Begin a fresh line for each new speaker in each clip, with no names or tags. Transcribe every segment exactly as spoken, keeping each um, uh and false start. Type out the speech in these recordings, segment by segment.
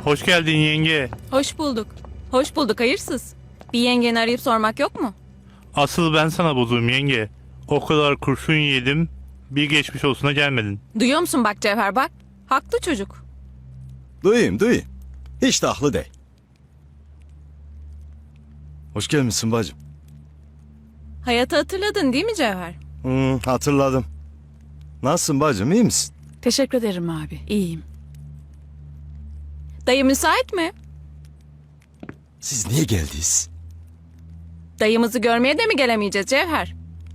Hoş geldin yenge.
Hoş bulduk. Hoş bulduk hayırsız. Bir yengeni arayıp sormak yok mu?
Asıl ben sana bozuğum yenge. O kadar kurşun yedim. Bir geçmiş olsuna gelmedin.
Duyuyor musun bak Cevher bak. Haklı çocuk.
Duyayım duyayım. Hiç de haklı değil. Hoş gelmişsin bacım.
Hayatı hatırladın değil mi Cevher?
Hmm, hatırladım. Nasılsın bacım, iyi misin?
Teşekkür ederim abi. İyiyim.
Dayı müsait mi?
Siz niye geldiniz?
Dayımızı görmeye de mi gelemeyeceğiz Cevher?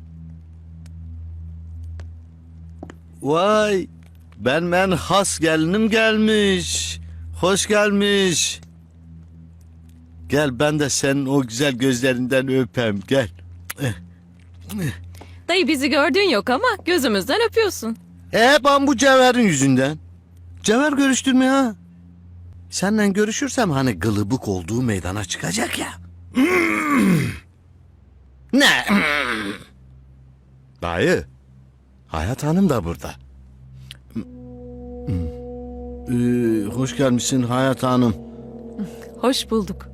Vay, ben ben has gelinim gelmiş. Hoş gelmiş. Gel ben de senin o güzel gözlerinden öpeyim, gel.
Dayı bizi gördüğün yok ama gözümüzden öpüyorsun.
E ben bu Cevher'in yüzünden. Cevher görüştürme ha. Seninle görüşürsem hani gılıbık olduğu meydana çıkacak ya. Ne?
Dayı, Hayat Hanım da burada.
Ee, hoş gelmişsin Hayat Hanım.
Hoş bulduk.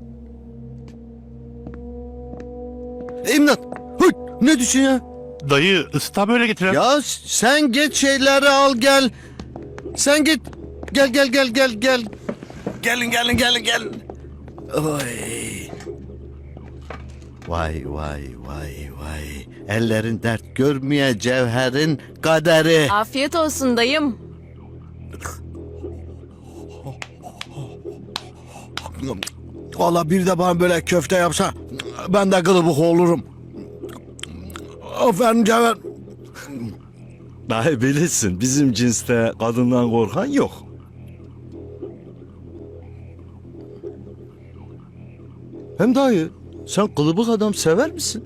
İmdat. Hıt, ne düşün ya?
Dayı ısıta böyle getiren.
Ya sen git şeyleri al gel. Sen git. Gel gel gel gel gel. Gelin gelin gelin gelin. Oy. Vay vay vay vay. Ellerin dert görmeye Cevher'in kaderi.
Afiyet olsun dayım.
Valla bir de bana böyle köfte yapsa ben de kılıbık olurum. Aferin Cevher.
Dayı bilirsin, bizim cinste kadından korkan yok. Hem dayı, sen kılıbık adam sever misin?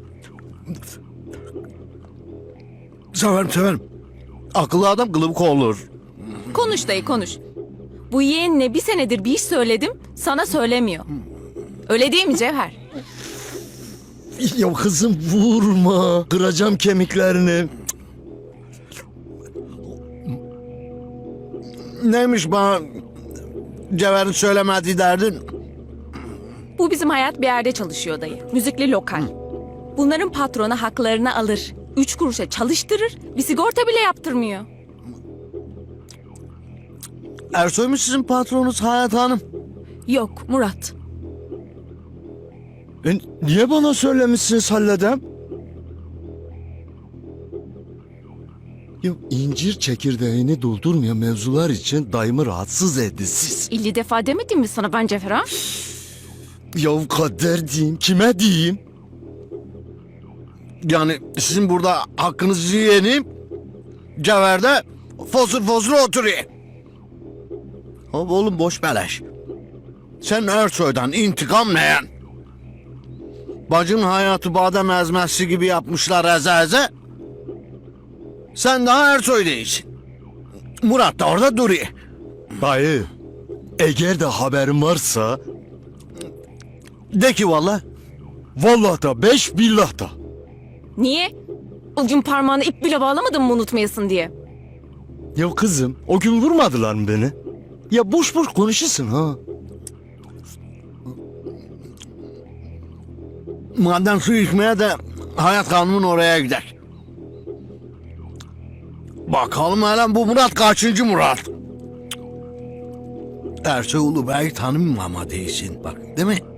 Severim severim. Akıllı adam kılıbık olur.
Konuş dayı konuş. Bu yeğenine bir senedir bir iş söyledim sana söylemiyor. Öyle değil mi Cevher?
Ya kızım vurma, kıracağım kemiklerini.
Neymiş bana Cevher'in söylemediği derdin?
Bu bizim hayat bir yerde çalışıyor dayı. Müzikli lokal. Bunların patronu haklarını alır. Üç kuruşa çalıştırır. Bir sigorta bile yaptırmıyor.
Ersoy mu sizin patronunuz Hayat Hanım?
Yok Murat.
E, niye bana söylemişsiniz halledem? Ya incir çekirdeğini doldurmayan mevzular için dayımı rahatsız etti siz.
elli defa demedim mi sana ben Cevher ha?
Ya kader diyeyim, kime diyeyim?
Yani sizin burada hakkınızı yiyenim, Cevher'de fosur fosur oturuyor. Hop oğlum boş beleş. Sen Ersoy'dan intikam neyen? Bacın hayatı badem ezmesi gibi yapmışlar eze eze. Sen daha Ersoy değilsin. Murat da orada duruyor.
Dayı, eğer de haberin varsa,
De ki valla.
vallahi da beş billah da.
Niye? O gün parmağını ip bile bağlamadın mı unutmayasın diye.
Ya kızım, o gün vurmadılar mı beni? Ya boş boş konuşursun ha.
Madem su içmeye de Hayat Hanım'ın oraya gider. Bakalım hele bu Murat kaçıncı Murat? Ersoy Ulubey tanımam ama değilsin bak değil mi?